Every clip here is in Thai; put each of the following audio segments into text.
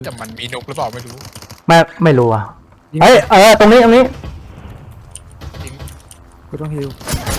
แต่มันมีนกหรือเปล่าไม่รู้ไม่รู้อ่ะเฮ้ยตรงนี้จริงกูต้องฮิว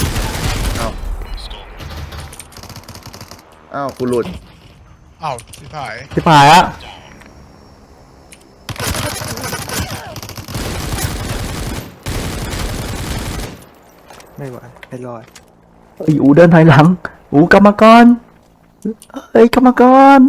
อ้าวกูหลุดอ้าวชิบหายชิบหายอ่ะไม่ไหวไม่รอดอูเดินถอยหลังกรรมกรกรรมกร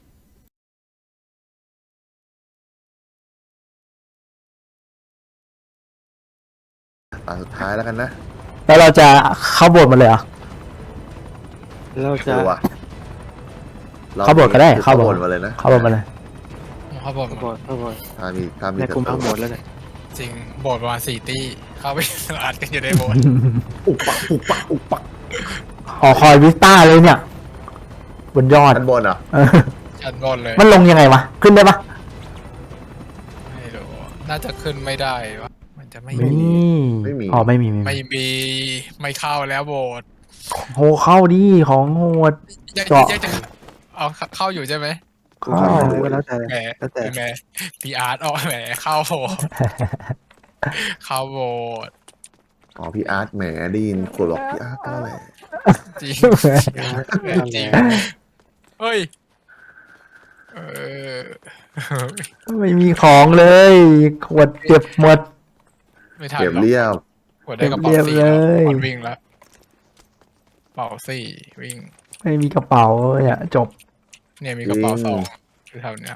สุดท้ายแล้วกันนะแล้วเราจะเข้าโบสถ์มาเลยเหรอเราจะดูว่ะเข้าโบสถ์ก็ได้เข้าโบสถ์มาเลยนะเข้าโบสถ์มาเลยเขาบอกบอดเข้าบอดถ้ามีในกลุ่มทั้งหมดแล้วเนี่ยจริงโบสถ์ประมาณ4 ตี้เข้าไปอัดกันอยู่ในโบสถ์อุปักอุปักอุปักหอคอยวิสต้าเลยเนี่ยบนยอดชั้นบนเหรอ่ะชั้นบนเลยมันลงยังไงวะขึ้นได้ปะไม่รู้น่าจะขึ้นไม่ได้วะมันจะไม่ไม่มีมีอ๋อไม่มีไม่เข้าแล้วโบสถ์โหเข้าดิของโหดยังเจาะจะเอาเข้าอยู่ใช่ไหมกูเข้าไปก็แล้วแต่แหมแล้วแต่แหมพีอาร์ตออกแหมเข้าโบสถ์เข้าโบสถ์อ๋อพี่อาร์ตแหมได้ยินคนบอกพี่อาร์ตก็แหละจริงจริงเฮ้ยเออไม่มีของเลยขวดเก็บหมดไม่ทันเก็บหรอกเรียบกดได้กระเป๋าเรียบสี่เลยแล้ววิ่งแล้วกระเป๋าสี่วิ่งไม่มีกระเป๋าเนี่ยจบเนี่ยมีกระเป๋า2อยู่แถวเนี้ย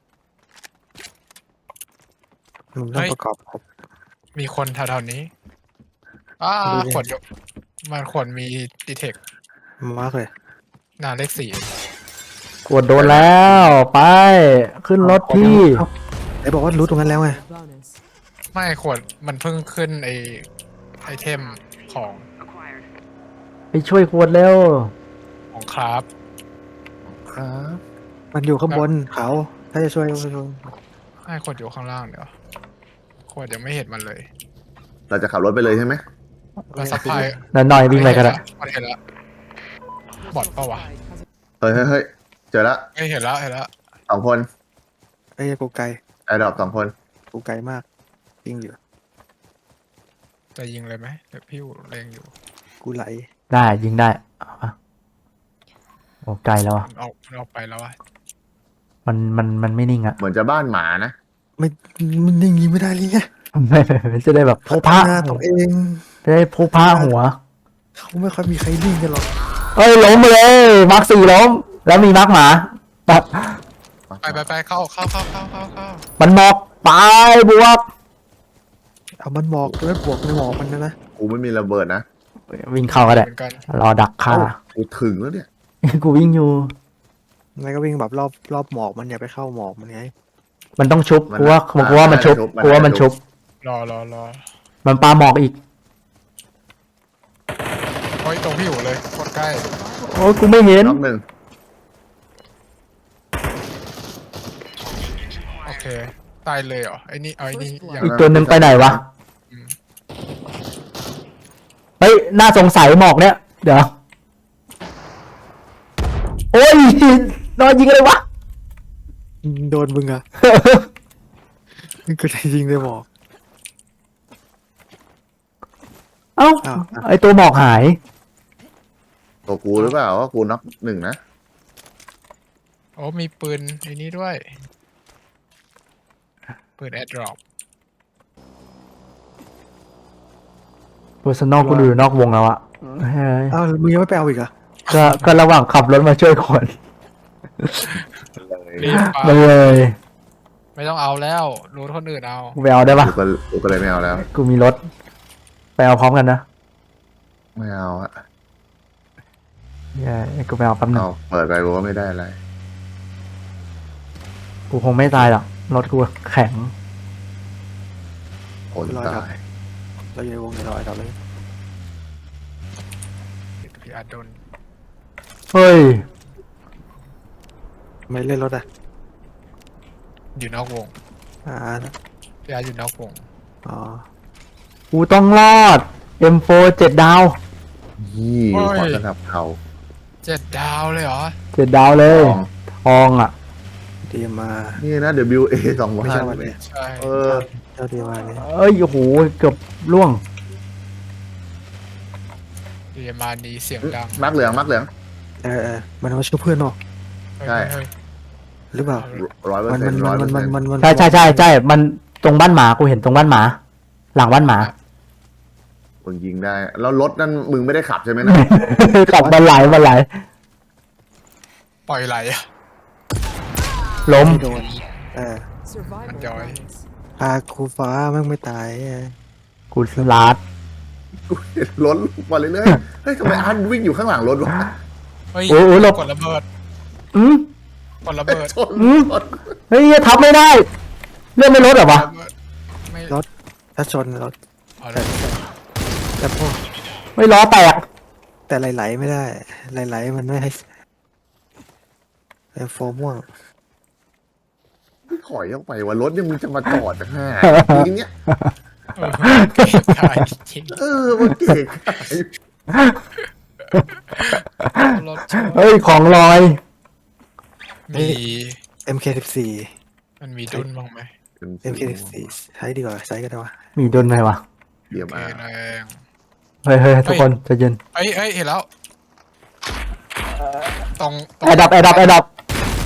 มึงต้องประกอบครบมีคนแถวๆนี้ขวดอยู่มันขวดมีดีเทคมากเลยหน้าเลขกดโดนแล้วไปขึ้นรถที่ไอ้บอกว่ารู้ตรงนั้นแล้วไง 4ไม่ขวดมันเพิ่งขึ้นไอเทมของไปช่วยขวดเร็วของคราฟครับมันอยู่ข้างบนเขาถ้าจะช่วยก็ช่วยให้ขวดอยู่ข้างล่างเดี๋ยวขวดยังไม่เห็นมันเลยเราจะขับรถไปเลยใช่ไหมแล้วซัพพลายหน่อยวิ่งไปกันละมันเห็นแล้วบอดปะวะเฮ้ยเจอละไม่เห็นแล้ว 2 คนไอ้กูไกลไอ้ดอก2 คนกูไกลมากยิงอยู่จะยิงเลยไหมเดี๋ยวพี่เล็งอยู่กูไหลได้ยิงได้เอาปะโอ้ไกลแล้วอะมันออกไปแล้วอะมันไม่นิ่งอะเหมือนจะบ้านหมานะไม่มันยิงไม่ได้เลยไงไม่จะได้แบบโพพะหน้าตัวเองจะได้โพพะหัวเขาไม่ค่อยมีใครยิงกันหรอกเอ้ยล้มไปเลยมาร์ค4ล้มแล้วมีมาร์คหมาแบบไปเข้ามันหมอกไปบวกเอามันหมอกแล้วบวกในหมอกมันนะกูไม่มีระเบิดนะวิ่งเข้าก็ได้เหมือนกันรอดักฆ่ากูถึงแล้วเนี่ยกูวิ่งอยู่ไงก็วิ่งแบบรอบหมอกมันอย่าไปเข้าหมอกมันไงมันต้องชุบกูว่ามันชุบกูว่ามันชุบรอมันปาหมอกอีกโอ้ยตรงพี่อยู่เลยโคตรใกล้โอ้ยกูไม่เห็นน็อกหนึ่งโอเคตายเลยเหรอไอ้นี่ยังอีกตัวหนึ่งไปไหนวะเฮ้ยน่าสงสัยหมอกเนี่ยเดี๋ยวโอ้ยนอนยิงอะไรวะโดนมึงอะมึงก็ได้ยิงในหมอกเอ้าอ้าวไอตัวหมอกหายตัวกูหรือเปล่าว่ากูน็อก1นะโอ้มีปืนไอ้นี้ด้วยปืนแอดดรอปเพอร์ซันอลกูอยู่นอกวงแล้วอะเฮ้ยอ้าวมึงยังไม่ไปเอาอีกอะก็ระหว่างขับรถมาช่วยคนรีบไปไปเลยไม่ต้องเอาแล้วรู้คนอื่นเอากูไปเอาได้ปะกูก็เลยไม่เอาแล้วกูมีรถไปเอาพร้อมกันนะไม่เอาอะเย้กูไปเอาแป๊บนึงเอาเปิดไปกูก็ไม่ได้อะไรกูคงไม่ตายหรอกรถกูแข็งคนตายเราอยู่ในวงในรอยเราเลยพี่อาร์ตโดนเฮ้ยไม่เล่นรถอะอยู่นอกวงอ่าพี่อาร์ตอยู่นอกวงอ๋อกูต้องรอด M4 7 ดาวยี่ขอสนับเขา 7 ดาวเลยเหรอ 7 ดาวเลยทองทองอ่ะดีมานี่นะ WA 2,000 ไม่ใช่วันนี้ใช่เออเจ้าดีมาเนี่ยเอ้ยโอ้โหเกือบล่วงเรียมานี้เสียงดังมักเหลืองมักเหลืองมันมาช่วยเพื่อนเนาะใช่เฮ้ยหรือเปล่า 100% มัน 100% ใช่มันตรงบ้านหมากูเห็นตรงบ้านหมา หลังบ้านหมามึงยิงได้ แล้วรถนั่นมึงไม่ได้ขับใช่ไหมนะขับมาไหลปล่อยไหลอะล้มไม่โดน Survival Enjoy. bonus. พาครูฟ้าแม่งไม่ตายไงกูลาดกูเห็นรถมาเรื่อยๆเฮ้ยทำไมอาร์ตวิ่งอยู่ข้างหลังรถวะเฮ้ยโอ้โหหลบกดระเบิดอืมกดระเบิดชนอืมชนเฮ้ยทับไม่ได้เลื่อนไม่ลดเหรอวะระเบิดไม่ถ้าชนรถเอาเลยแต่พวกไม่ล้อแตกแต่ไหลๆไม่ได้ไหลๆมันไม่ให้แต่โฟมม่วงไม่ถอยออกไปว่ารถเนี่ยมึงจะมาจอดจากห้าทีเนี้ยเออเก็บได้จริงมันเก่งขายรถชนเฮ้ยของลอยมี MK14 มันมีดุนบ้างไหม MK14 ใช้ดีกว่าใช้ก็ได้วะมีดนไหมวะเดี๋ยวโอมาเคนะเองเฮ้ยทุกคนใจะเย็นเอ้ยเห็นแล้วตรงแอร์ดับ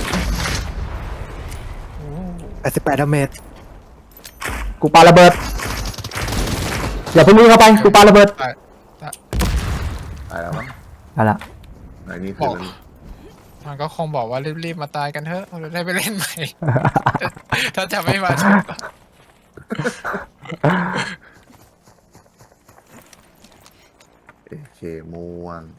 88 ดาเมจกูปาระเบิดอย่าเพิ่งวิ่งเข้าไปกูปาระเบิดตายตายแล้วมั้งเอาละไหนนี่คือมันมันก็คงบอกว่ารีบๆมาตายกันเถอะเราจะได้ไปเล่นใหม่ ถ้าจะไม่มาชนเคม่วง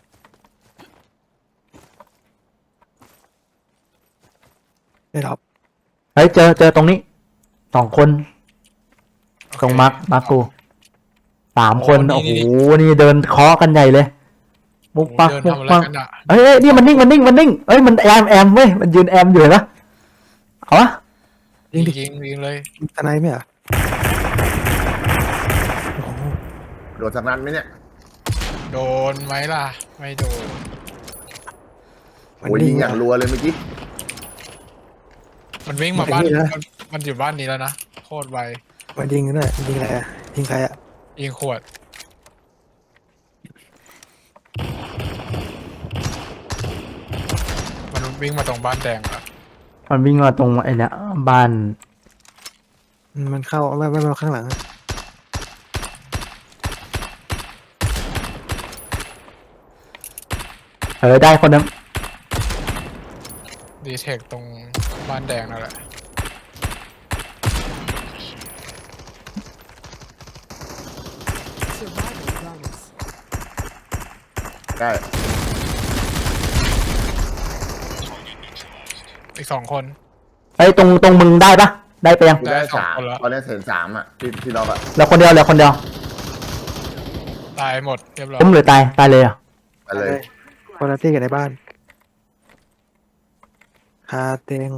ได้หรอเฮ้ยเจอตรงนี้2 คนตรงมาร์คกู3 คนโอ้โหนี่เดินเคาะกันใหญ่เลยมุกปักเดินมุกทำอะไรปักกันอะเฮ้ยนี่มันนิ่งเอ้ยมันแอมเว้ยมันยืนแอมอยู่เห็นปะเอาวะยิงดิยิงเลยทนายไหมอ่ะโดนสักนัดไหมเนี่ยโดนไหมล่ะ ไม่โดนโอ้ยยิงอย่างรัวเลยเมื่อกี้มันวิ่งมาบ้านมันอยู่บ้านนี้แล้วนะโคตรไวมันยิงกันด้วยยิงอะไรอ่ะยิงใครอ่ะยิงขวดมันวิ่งมาตรงบ้านแดงอะมันวิ่งมาตรงไอ้เนี่ยบ้านมันเข้าไม่มาข้างหลังได้คนนึงดีเทคตรงบ้านแดงนั่นแหละ Survival bonus. ได้อีก2 คนไอ้ยตรงมึงได้ปะได้ไปยังกูได้ได้สอง 3 คนแล้วตอนนี้เห็น3อ่ะที่ล็อกอ่ะเหลือคนเดียวตายหมดเรียบร้อยล้มหรือตายเลยอ่ะไปเลยคนละที่กันในบ้านฮาเตง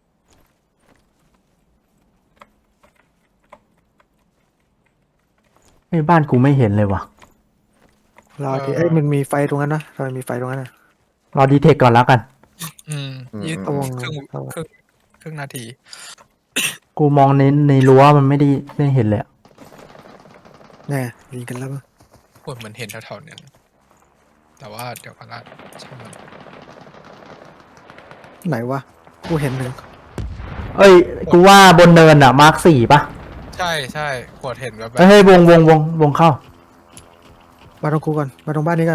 ไอ้บ้านกูไม่เห็นเลยว่ะรอที่มันมีไฟตรงนั้นนะทำไมมีไฟตรงนั้นนะรอดีเทคก่อนแล้วกันยืดเอาวงครึ่งนาทีกูมองในรั้วมันไม่ได้เห็นเลยอะแน่ยิงกันแล้วปวดเหมือนเห็นแถวๆนั้นแต่ว่าเดี๋ยวกันละใช่ไหมนไหนวะกูเห็นหนึ่งเอ้ยกูว่าบนเนินอ่ะมาร์ค4ปะใช่ปวดเห็นแบบเฮ้ยวงเข้ามาตรงกูก่อนมาตรงบ้านนี้กัน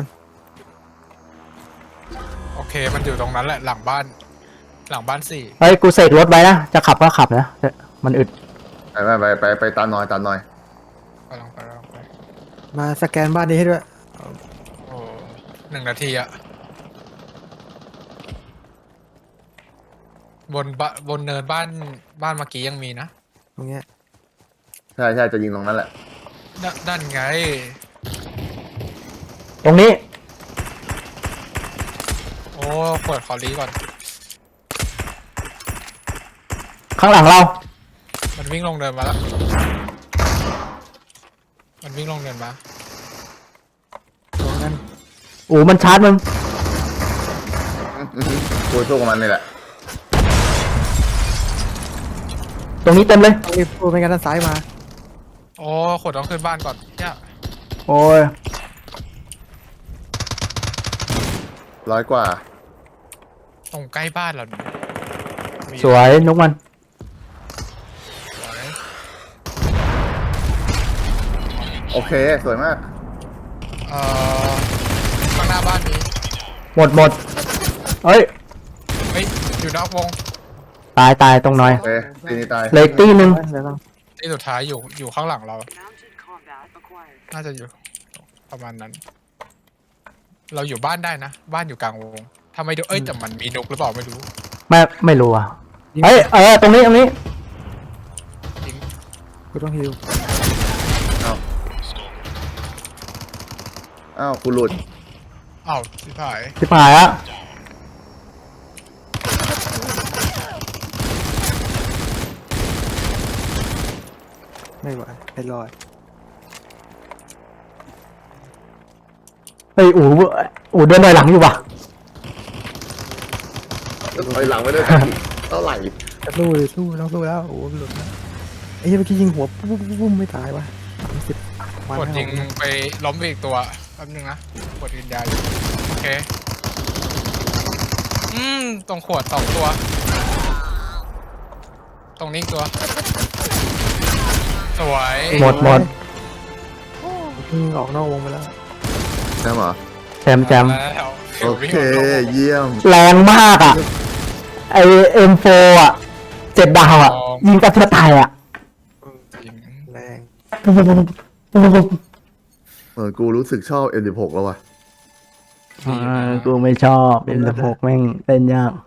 โอเคมันอยู่ตรงนั้นแหละหลังบ้าน4 เฮ้ยกูเสกรถไว้นะจะขับก็ขับนะแต่มันอึดไปตามหน่อยไปลองไปมาสแกนบ้านนี้ให้ด้วยโอ้1 นาทีอะบนเนินบ้านเมื่อกี้ยังมีนะตรงเนี้ยใช่จะยิงตรงนั้นแหละนั่นไงตรงนี้โอ้ปวดขอรีก่อนข้างหลังเรามันวิ่งลงเดินมาแล้ว มันวิ่งลงเดินมาตรงนั้นโอ้มันชาร์จมึงกูสู้กับมันนี่แหละตรงนี้เต็มเลยต้องรีบพูดไม่งั้นด้านซ้ายมาโอ้ขวดต้องขึ้นบ้านก่อนเนี่ยโอ้ย 100 กว่าตรงใกล้บ้านเราเนี่ยมีสวยนกมันสวยโอเค สวยมากเอ่อข้างหน้าบ้านมีหมดเอ้ยเฮ้ยอยู่นอกวงตายตรงหน่อยโอเคตีนี้ตายเหล็กตีหนึ่งเดี๋ยวต้องที่สุดท้ายอยู่ข้างหลังเรา Mounted combat acquired. น่าจะอยู่ประมาณนั้น เราอยู่บ้านได้นะบ้านอยู่กลางวงทำไมดูเอ้ยแต่มันมีนกหรือเปล่าไม่รู้ไม่รู้อ่ะเฮ้ยตรงนี้จริงกูต้องฮิวอ้าวกูหลุดอ้าวสิถ่ายชิบหายอะไม่ไหวไม่รอดเฮ้ยอูเดินถอยหลังอยู่ว่ะถอยหลังไม่ได้เท่าไหร่จะสู้เลยสู้ต้องสู้แล้วโอ้โหหลุดแล้วไอ้เหี้ยเมื่อกี้ยิงหัวปุ๊บไม่ตายวะ30 กดยิงไปล้มไปอีกตัวแป๊บนึงนะกดยิงยาอยู่โอเคตรงขวด2 ตัว ตรงนี้อีกตัว สวยหมดออกนอกวงไปแล้วใช่ไหมแจมแล้วโอเค เยี่ยมแรงมากอ่ะ ไอM4อ่ะ7 ดาวอ่ะ ยิงกับตัวตายอ่ะจริงแรงกูรู้สึกชอบ M16 แล้วว่ะกูไม่ชอบ M16 แม่งเล่นยาก